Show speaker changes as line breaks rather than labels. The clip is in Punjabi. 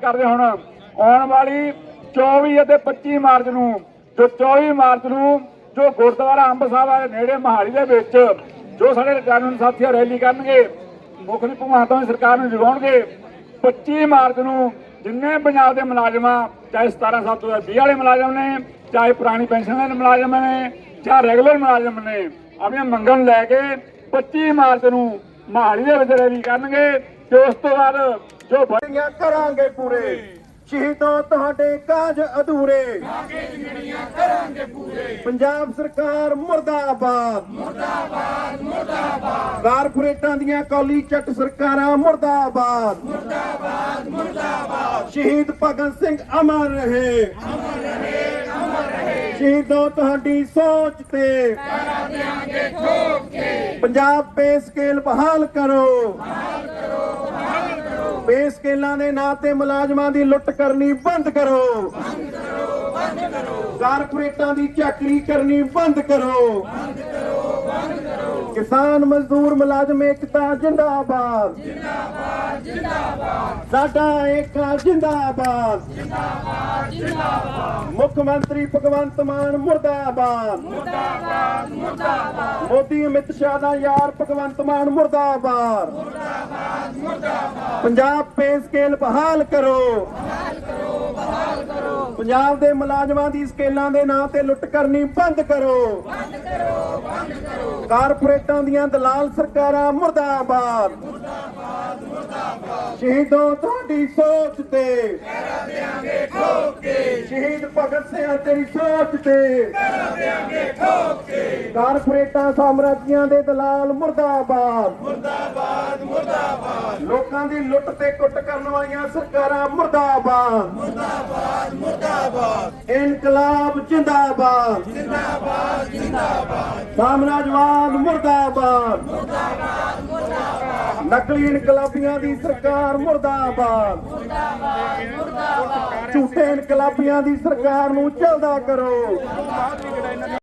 ਕਰਦੇ ਹੁਣ ਆਉਣ ਵਾਲੀ 24 ਅਤੇ 25 ਮਾਰਚ ਨੂੰ ਜੋ 24 ਮਾਰਚ ਨੂੰ ਜੋ ਗੁਰਦੁਆਰਾ ਅੰਬ ਸਾਹਿਬ ਦੇ ਨੇੜੇ ਮਹਾਲੀ ਦੇ ਵਿੱਚ ਜੋ ਸਾਡੇ ਕਾਨੂੰਨ ਸਾਥੀ ਰੈਲੀ ਕਰਨਗੇ ਮੁੱਖ ਮੰਤਰੀ ਭਗਵੰਤ ਮਾਨ ਸਰਕਾਰ ਨੂੰ ਜਗਾਉਣਗੇ। 25 ਮਾਰਚ ਨੂੰ ਜਿੰਨੇ ਪੰਜਾਬ ਦੇ ਮੁਲਾਜ਼ਮਾਂ ਚਾਹੇ 17 ਸਾਲ ਤੋਂ 20 ਵਾਲੇ ਮੁਲਾਜ਼ਮ ਨੇ ਚਾਹੇ ਪੁਰਾਣੀ ਪੈਨਸ਼ਨ ਦੇ ਮੁਲਾਜ਼ਮ ਨੇ ਚਾਹੇ ਰੈਗੂਲਰ ਮੁਲਾਜ਼ਮ ਨੇ ਆਪਣੀਆਂ ਮੰਗਾਂ ਲੈ ਕੇ 25 ਮਾਰਚ ਨੂੰ ਮਹਾਲੀ ਦੇ ਵਿੱਚ ਰੈਲੀ ਕਰਨਗੇ ਤੇ ਉਸ ਤੋਂ ਬਾਅਦ ਜੋ
ਬੜੀਆਂ ਕਰਾਂਗੇ ਪੂਰੇ ਸ਼ਹੀਦੋਂ ਤੁਹਾਡੇ ਕਾਜ ਅਧੂਰੇ ਕਰਾਂਗੇ ਪੂਰੇ। ਪੰਜਾਬ ਸਰਕਾਰ ਮੁਰਦਾਬਾਦ ਮੁਰਦਾਬਾਦ ਮੁਰਦਾਬਾਦ। ਕਾਰਪੋਰੇਟਾਂ ਦੀਆਂ ਕੌਲੀ ਚੱਟ ਸਰਕਾਰਾਂ ਮੁਰਦਾਬਾਦ ਮੁਰਦਾਬਾਦ ਮੁਰਦਾਬਾਦ। ਸ਼ਹੀਦ ਭਗਤ ਸਿੰਘ ਅਮਰ ਰਹੇ ਅਮਰ ਰਹੇ ਅਮਰ ਰਹੇ। ਸ਼ਹੀਦੋਂ ਤੁਹਾਡੀ ਸੋਚ ਤੇ ਕਰਾ ਦਿਆਂਗੇ ਠੋਕ ਕੇ। ਪੰਜਾਬ ਪੇ ਸਕੇਲ ਬਹਾਲ ਕਰੋ ਪੇ ਸਕੇਲਾਂ ਦੇ ਨਾਂ ਤੇ ਮੁਲਾਜ਼ਮਾਂ ਦੀ ਲੁੱਟ ਕਰਨੀ ਬੰਦ ਕਰੋ ਕਾਰਪੋਰੇਟਾਂ ਦੀ ਚਾਕਰੀ ਕਰਨੀ ਬੰਦ ਕਰੋ ਕਿਸਾਨ ਮਜ਼ਦੂਰ ਮੁਲਾਜ਼ਮ ਏਕਤਾ ਜਿੰਦਾਬਾਦ ਜਿੰਦਾਬਾਦ ਜਿੰਦਾਬਾਦ। ਸਾਡਾ ਏਕਾ ਜਿੰਦਾਬਾਦ ਜਿੰਦਾਬਾਦ ਜਿੰਦਾਬਾਦ। ਮੁੱਖ ਮੰਤਰੀ ਭਗਵੰਤ ਮਾਨ ਮੁਰਦਾਬਾਦ ਮੁਰਦਾਬਾਦ ਮੁਰਦਾਬਾਦ। ਮੋਦੀ ਅਮਿਤ ਸ਼ਾਹ ਦਾ ਯਾਰ ਭਗਵੰਤ ਮਾਨ ਮੁਰਦਾਬਾਦ ਮੁਰਦਾਬਾਦ ਮੁਰਦਾਬਾਦ। ਪੰਜਾਬ ਪੇ ਸਕੇਲ ਬਹਾਲ ਕਰੋ ਪੰਜਾਬ ਦੇ ਮੁਲਾਜ਼ਮਾਂ ਦੀ ਸਕੇਲਾਂ ਦੇ ਨਾਂ ਤੇ ਲੁੱਟ ਕਰਨੀ ਬੰਦ ਕਰੋ ਕਾਰਪੋਰੇਟਾਂ ਦੀਆਂ ਦਲਾਲ ਸਰਕਾਰਾਂ ਮੁਰਦਾਬਾਦ ਮੁਰਦਾਬਾਦ ਮੁਰਦਾਬਾਦ। ਸ਼ਹੀਦੋਂ ਤੁਹਾਡੀ ਸੋਚ ਤੇ ਕਰਾ ਦਿਆਂਗੇ ਠੋਕ ਕੇ। ਸ਼ਹੀਦ ਭਗਤ ਸਿੰਘ ਤੇਰੀ ਸੋਚ ਤੇ ਕਰਾ ਦਿਆਂਗੇ ਠੋਕ ਕੇ। ਕਾਰਪੋਰੇਟਾਂ ਸਾਮਰਾਜੀਆਂ ਦੇ ਦਲਾਲ ਮੁਰਦਾਬਾਦ ਮੁਰਦਾਬਾਦ ਮੁਰਦਾਬਾਦ। ਲੋਕਾਂ ਦੀ ਲੁੱਟ ਤੇ ਕੁੱਟ ਕਰਨ ਵਾਲੀਆਂ ਸਰਕਾਰਾਂ ਮੁਰਦਾਬਾਦ ਮੁਰਦਾਬਾਦ ਮੁਰਦਾਬਾਦ। ਇਨਕਲਾਬ ਜਿੰਦਾਬਾਦ ਜਿੰਦਾਬਾਦ ਜਿੰਦਾਬਾਦ। ਸਾਮਰਾਜਵਾਦ ਮੁਰਦਾਬਾਦ ਮੁਰਦਾਬਾਦ ਮੁਰਦਾਬਾਦ। ਨਕਲੀ ਇਨਕਲਾਬੀਆਂ ਦੀ ਸਰਕਾਰ ਮੁਰਦਾਬਾਦ ਮੁਰਦਾਬਾਦ ਮੁਰਦਾਬਾਦ। ਝੂਠੇ ਇਨਕਲਾਬੀਆਂ ਦੀ ਸਰਕਾਰ ਨੂੰ ਝਲਦਾ ਕਰੋ।